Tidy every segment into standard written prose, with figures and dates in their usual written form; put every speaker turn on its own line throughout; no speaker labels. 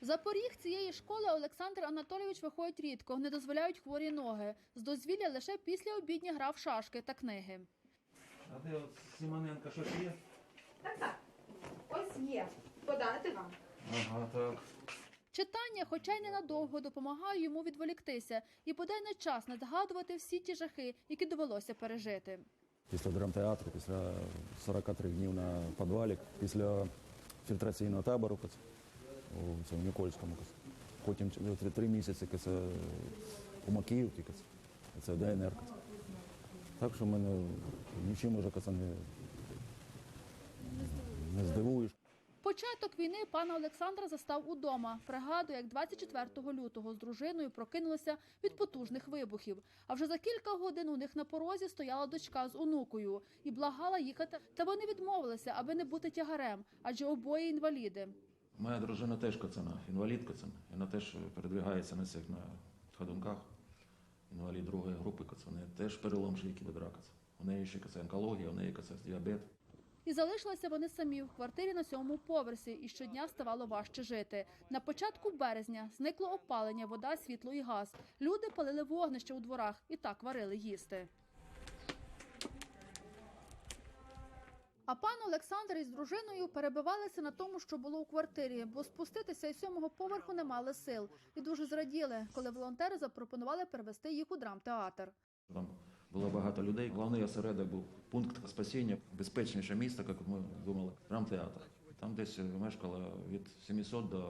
За поріг цієї школи Олександр Анатолійович виходить рідко, не дозволяють хворі ноги. З дозвілля лише після обідні гра в шашки та книги.
А де от Симоненко щось є?
Так. Ось є. Подати вам.
Ага, так.
Читання, хоча й ненадовго, допомагає йому відволіктися і бодай не час не згадувати всі ті жахи, які довелося пережити.
Після драмтеатру, після 43 днів на підвалі, після фільтраційного табору у Нікольському, потім 3 місяці у Макіївці, це ДНР. Так що мене нічим уже не здивуєш.
Початок війни пана Олександра застав удома. Пригадує, як 24 лютого з дружиною прокинулися від потужних вибухів. А вже за кілька годин у них на порозі стояла дочка з онукою і благала їхати. Та вони відмовилися, аби не бути тягарем, адже обоє інваліди.
Моя дружина теж інвалід. Вона теж передвигається на ходунках. Інвалід другої групи. У неї теж перелом шийки бедра. У неї ще онкологія, у неї діабет.
І залишилися вони самі в квартирі на 7-му поверсі, і щодня ставало важче жити. На початку березня зникло опалення, вода, світло і газ. Люди палили вогнище у дворах і так варили їсти. А пан Олександр із дружиною перебивалися на тому, що було у квартирі, бо спуститися із 7-го поверху не мали сил. І дуже зраділи, коли волонтери запропонували перевезти їх у драмтеатр.
Там було багато людей. Головний осередок був пункт спасіння, безпечніше місто, як ми думали, драмтеатр. Там десь мешкало від 700 до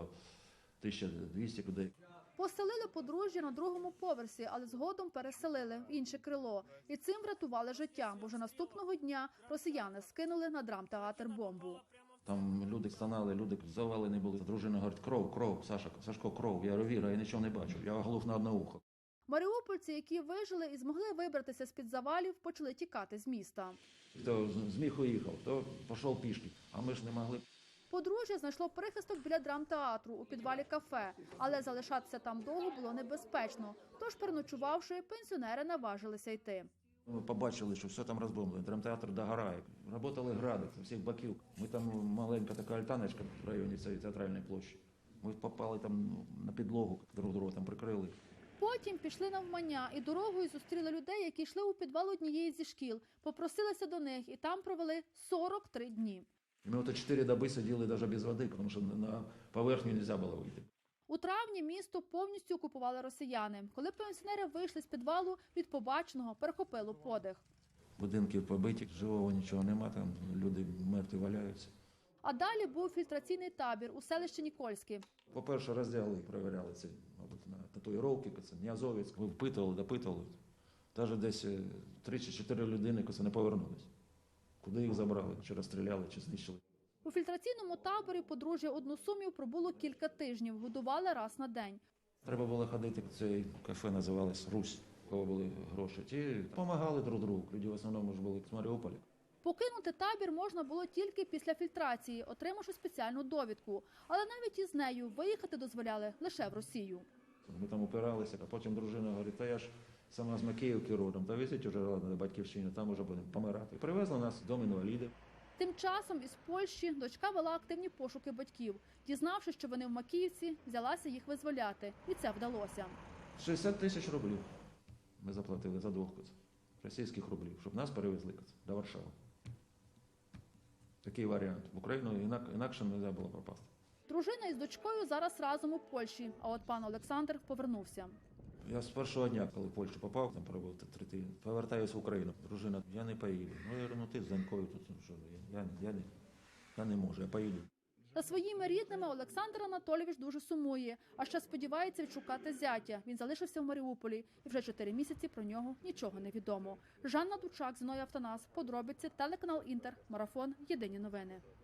1200 людей.
Поселили подружжя на 2-му поверсі, але згодом переселили в інше крило. І цим врятували життя, бо вже наступного дня росіяни скинули на драмтеатр бомбу.
Там люди стонали, люди завалені були. Дружина говорить: кров, Сашко, кров. Я говорю: Віра, я нічого не бачу, я оглух на одне ухо.
Маріупольці, які вижили і змогли вибратися з-під завалів, почали тікати з міста.
Хто зміг уїхав, то пішов пішки, а ми ж не могли.
Подружжя знайшло прихисток біля драмтеатру у підвалі кафе, але залишатися там довго було небезпечно. Тож, переночувавши, пенсіонери наважилися йти.
Ми побачили, що все там розбомблено, драмтеатр догорає. Работали гради з усіх боків. Ми там маленька така альтаночка в районі цієї театральної площі. Ми попали там на підлогу, друг друга там прикрили.
Потім пішли навмання і дорогою зустріли людей, які йшли у підвал однієї зі шкіл. Попросилися до них і там провели 43 дні.
Ми от 4 доби сиділи навіть без води, тому що на поверхню не можна було вийти.
У травні місто повністю окупували росіяни. Коли пенсіонери вийшли з підвалу, від побаченого перехопило подих.
Будинки побиті, живого нічого нема, там люди мертві валяються.
А далі був фільтраційний табір у селищі Нікольське.
По-перше, роздягли, перевіряли ці, мабуть, на татуїровки, Ніазовець. Ми впитували, допитували. Навіть десь 3 чи 4 людини не повернулись. Куди їх забрали, чи розстріляли, чи знищили.
У фільтраційному таборі подружжя односумів пробуло кілька тижнів, годували раз на день.
Треба було ходити, це кафе називалось «Русь», у кого були гроші. Ті допомагали друг другу, люди в основному ж були з Маріуполя.
Покинути табір можна було тільки після фільтрації, отримавши спеціальну довідку. Але навіть із нею виїхати дозволяли лише в Росію.
Ми там упиралися, а потім дружина говорить: та я ж сама з Макіївки родом, та везіть уже на батьківщину, там уже будемо помирати. І привезли нас в дом інвалідів.
Тим часом із Польщі дочка вела активні пошуки батьків. Дізнавшись, що вони в Макіївці, взялася їх визволяти. І це вдалося.
60 тисяч рублів ми заплатили за 2 російських рублів, щоб нас перевезли до Варшави. Такий варіант. В Україну інакше не можна було попасти.
Дружина із дочкою зараз разом у Польщі, а от пан Олександр повернувся.
Я з першого дня, коли в Польщу попав, там пробув 3 тижні, повертаюся в Україну. Дружина: я не поїду. Ну, я говорю: ти з донькою тут, що, я не можу, я поїду.
За своїми рідними Олександр Анатолійович дуже сумує, а ще сподівається відшукати зятя. Він залишився в Маріуполі, і вже 4 місяці про нього нічого не відомо. Жанна Дучак, Зіновій Автонас, подробиці, телеканал Інтер, Марафон, Єдині новини.